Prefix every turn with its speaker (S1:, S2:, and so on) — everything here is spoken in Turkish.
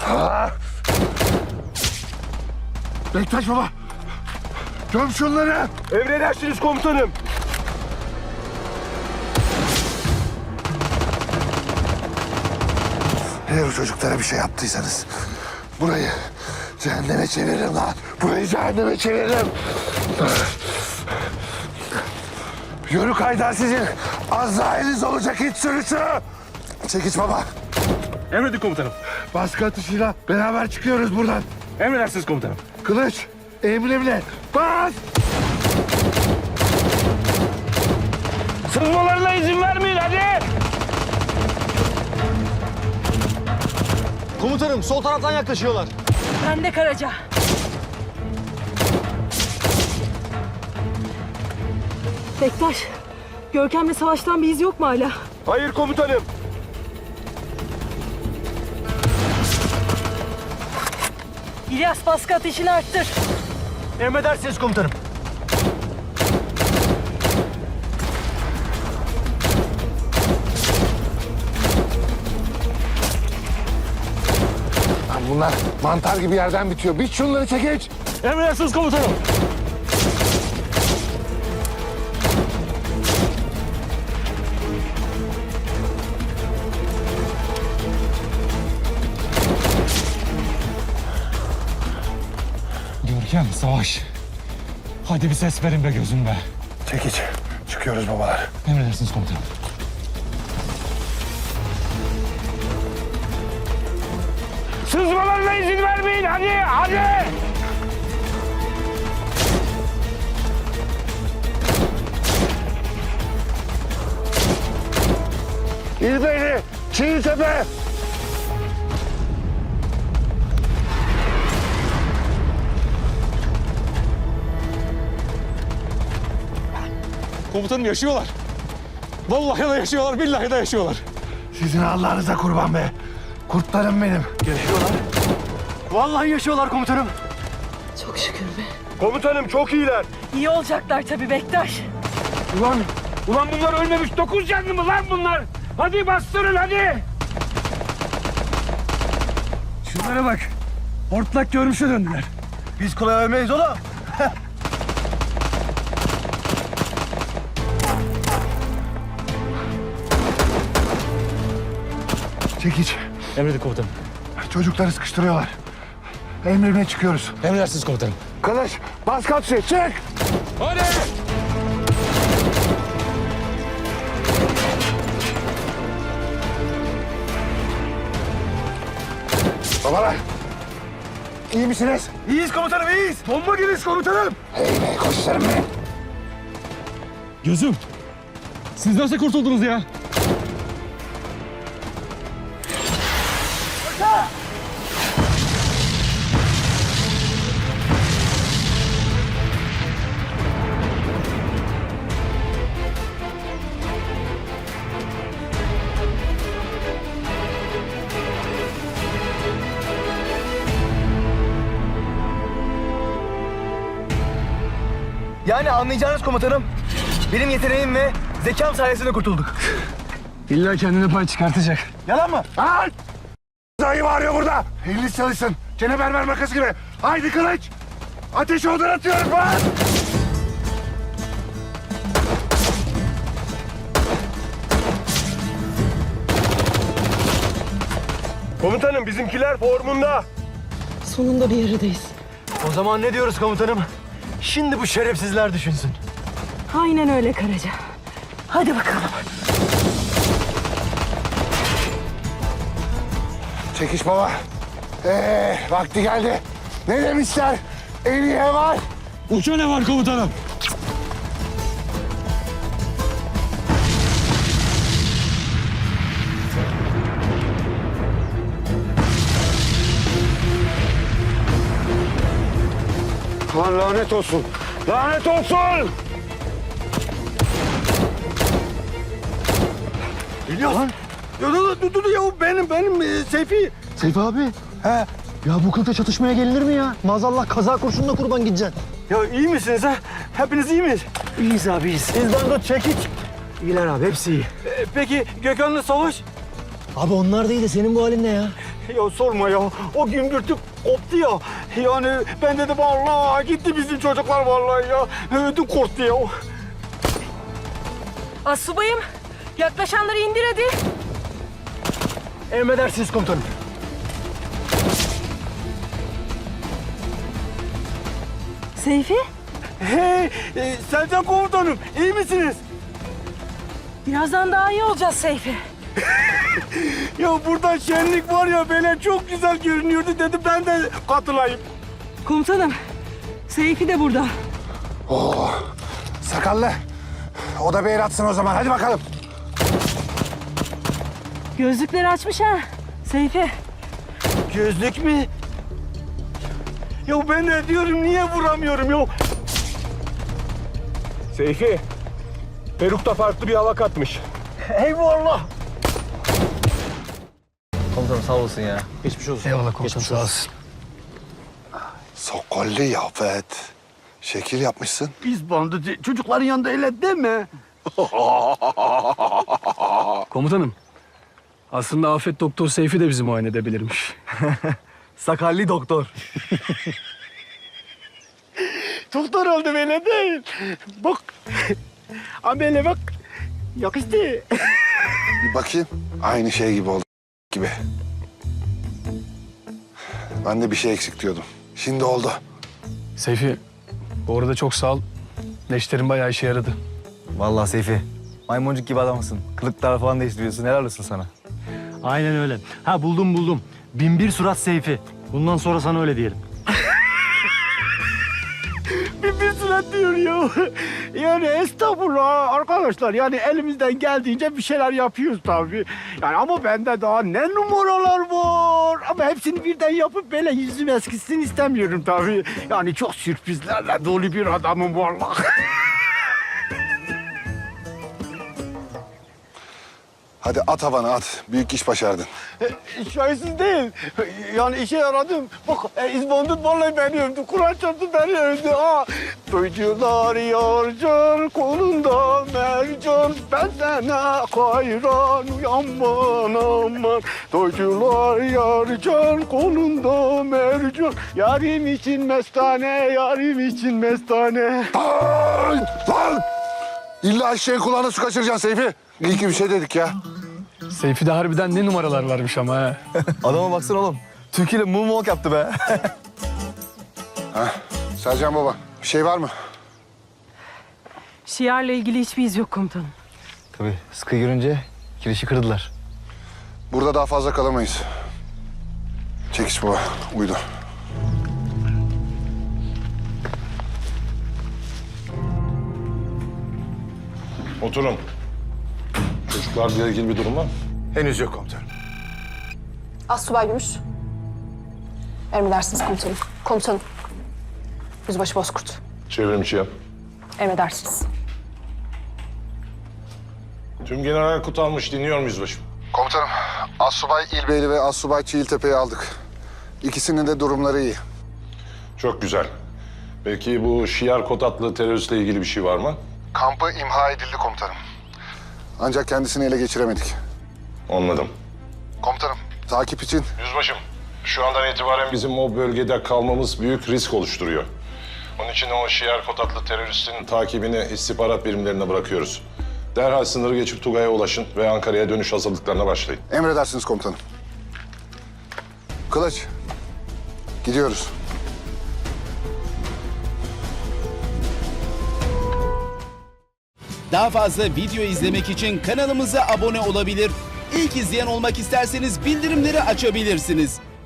S1: Bektaş baba! Göm şunları!
S2: Emredersiniz komutanım.
S1: Eğer o çocuklara bir şey yaptıysanız burayı cehenneme çeviririm lan. Burayı cehenneme çeviririm. Yörük Haydar sizin Azrail'iniz olacak hiç sürüsü. Çekiç baba.
S2: Emredin komutanım.
S1: Baskı atışıyla beraber çıkıyoruz buradan.
S2: Emredersiniz komutanım.
S1: Kılıç, emrimle bas!
S2: Sızmalarına izin vermeyin hadi.
S3: Komutanım sol taraftan yaklaşıyorlar.
S4: Ben de Karaca. Bektaş, Görkem'le savaştan bir iz yok mu hala?
S2: Hayır komutanım.
S4: İlyas, baskı ateşini arttır.
S3: Emredersiniz komutanım.
S1: Lan bunlar mantar gibi yerden bitiyor. Biç şunları Çekiç.
S2: Emredersiniz komutanım.
S5: Görkem, Savaş. Hadi bir ses verin be gözüm be.
S1: Çekiç. Çıkıyoruz babalar.
S5: Emredersiniz komutanım.
S2: Sızmalarına izin vermeyin hadi hadi.
S1: İlbeyli, Çiğtepe.
S5: Komutanım yaşıyorlar. Vallahi de yaşıyorlar, billahi de yaşıyorlar.
S1: Sizin Allah'ınıza kurban be. Kurtlarım benim.
S3: Vallahi yaşıyorlar komutanım.
S4: Çok şükür be.
S2: Komutanım çok iyiler.
S4: İyi olacaklar tabii Bektaş.
S2: Ulan bunlar ölmemiş. 9 canlı mı lan bunlar? Hadi bastırın hadi.
S5: Şunlara bak. Hortlak görmüşe döndüler.
S3: Biz kolay ölmeyiz oğlum.
S1: Çekiç.
S5: Emredin komutanım.
S1: Çocukları sıkıştırıyorlar. Emrimle çıkıyoruz.
S5: Emredersiniz komutanım.
S1: Kılıç, bas kapıyı, çık!
S5: Hadi!
S1: Babalar, iyi misiniz?
S3: İyiyiz komutanım iyiyiz.
S2: Bomba geliş komutanım.
S1: Hey be, koçlarım be.
S5: Gözüm. Siz nasıl kurtuldunuz ya?
S3: Yani anlayacağınız komutanım, benim yeteneğim ve zekam sayesinde kurtulduk.
S5: İlla kendine pay çıkartacak.
S3: Yalan mı?
S1: Lan! Dayı bağırıyor burada. Eliniz çalışsın. Cenneberber makası gibi. Haydi Kılıç. Ateşi odan atıyorum lan.
S2: Komutanım bizimkiler formunda.
S4: Sonunda bir yerdeyiz.
S3: O zaman ne diyoruz komutanım? Şimdi bu şerefsizler düşünsün.
S4: Aynen öyle Karaca. Hadi bakalım.
S1: Çekiş baba. Vakti geldi. Ne demişler? En iyi var.
S5: Uça ne var komutanım?
S1: Lan lanet olsun. Lanet olsun.
S3: İlyas. Dur ya benim Seyfi. Seyfi abi. He. Ya bu kılıkta çatışmaya gelinir mi ya? Maazallah kaza kurşununa kurban gideceksin. Ya iyi misiniz ha? Hepiniz iyi miyiz? İyiyiz abi iyiyiz. Bizden tut çekiç. İyiler abi hepsi iyi. Peki Gökhan'la Savaş? Abi onlar değil de senin bu halin ne ya? Ya sorma ya. O gümbürtü koptu ya. Yani ben dedim Allah gitti bizim çocuklar vallahi ya. Ödüm korktu ya.
S4: Astsubayım, yaklaşanları indir hadi.
S3: Emredersiniz komutanım.
S4: Seyfi,
S3: Hey Selcan komutanım iyi misiniz?
S4: birazdan daha iyi olacağız Seyfi.
S3: Ya burada şenlik var ya böyle çok güzel görünüyordu dedim ben de katılayım.
S4: Komutanım, Seyfi de burada.
S1: Sakallı. O da bir el atsın o zaman. Hadi bakalım.
S4: Gözlükleri açmış ha. Seyfi,
S3: Gözlük mü? Ya ben ne diyorum niye vuramıyorum ya?
S2: Seyfi, perukta farklı bir hava katmış.
S3: Eyvallah.
S5: Komutanım sağ olasın ya. Geçmiş olsun.
S3: Eyvallah komutanım sağ olasın.
S1: Sokollu Yafet. Şekil yapmışsın.
S3: Biz bandı çocukların yanında öyle deme.
S6: Komutanım, aslında Afet Doktor Seyfi de bizi muayene edebilirmiş.
S3: Sakallı doktor. Doktor oldu böyle değil. Bak. Amele bak. Yakıştı.
S1: Bir bakayım. Aynı şey gibi oldu gibi. Ben de bir şey eksik diyordum. Şimdi oldu.
S6: Seyfi, bu arada çok sağ ol. Leşlerin bayağı işe yaradı.
S5: Vallahi Seyfi. Maymuncuk gibi adamsın. Kılıklar falan değiştiriyorsun. Helal olsun sana.
S7: Aynen öyle. Ha buldum. 1001 surat Seyfi. Bundan sonra sana öyle diyelim.
S3: Bir surat diyor ya. Yani estağfurullah arkadaşlar. Yani elimizden geldiğince bir şeyler yapıyoruz tabii. Yani ama bende daha ne numaralar var. Ama hepsini birden yapıp böyle yüzüm eskitsin istemiyorum tabii. Yani çok sürprizlerle dolu bir adamım vallahi.
S1: Hadi at havana at. Büyük iş başardın.
S3: Şahisiz değil. Yani işe yaradım. Bak İzbandut vallahi beni övdü. Kur'an çarptı beni övdü. Ha. Duycular yarcan kolunda mercan. Ben sana hayran aman aman. Duycular yarcan kolunda mercan. Yarim için mestane, yarim için mestane.
S1: Ay! Lan! İlla eşeğin kulağına su kaçıracaksın Seyfi. İyi ki bir şey dedik ya.
S6: Seyfi'de harbiden ne numaralar varmış ama ha.
S5: Adama baksana oğlum. Türkiye'yle moonwalk yaptı be.
S1: Sercan baba bir şey var mı?
S4: Şiar'la ilgili hiçbir iz yok komutanım.
S5: Tabii sıkı görünce kirişi kırdılar.
S1: Burada daha fazla kalamayız. Çekiş baba uydu.
S8: Oturun. Çocuklarla ilgili bir durum var mı?
S1: Henüz yok komutanım.
S9: Astsubay Gümüş. Emredersiniz komutanım. Komutanım. Yüzbaşı Bozkurt.
S8: Çevrimçi yap.
S9: Emredersiniz.
S8: Tüm general kut almış. Dinliyorum yüzbaşım.
S1: Komutanım Assubay İlbeyli ve Assubay Çiğiltepe'yi aldık. İkisinin de durumları iyi.
S8: Çok güzel. Peki bu Şiar Kot adlı teröristle ilgili bir şey var mı?
S1: Kampı imha edildi komutanım. Ancak kendisini ele geçiremedik.
S8: Anladım.
S1: Komutanım takip için
S8: Yüzbaşım, şu andan itibaren bizim o bölgede kalmamız büyük risk oluşturuyor. Onun için o Şiar Kot adlı teröristin takibini istihbarat birimlerine bırakıyoruz. Derhal sınırı geçip Tugay'a ulaşın ve Ankara'ya dönüş hazırlıklarına başlayın.
S1: emredersiniz komutanım. Kılıç gidiyoruz.
S10: Daha fazla video izlemek için kanalımıza abone olabilir. İlk izleyen olmak isterseniz bildirimleri açabilirsiniz.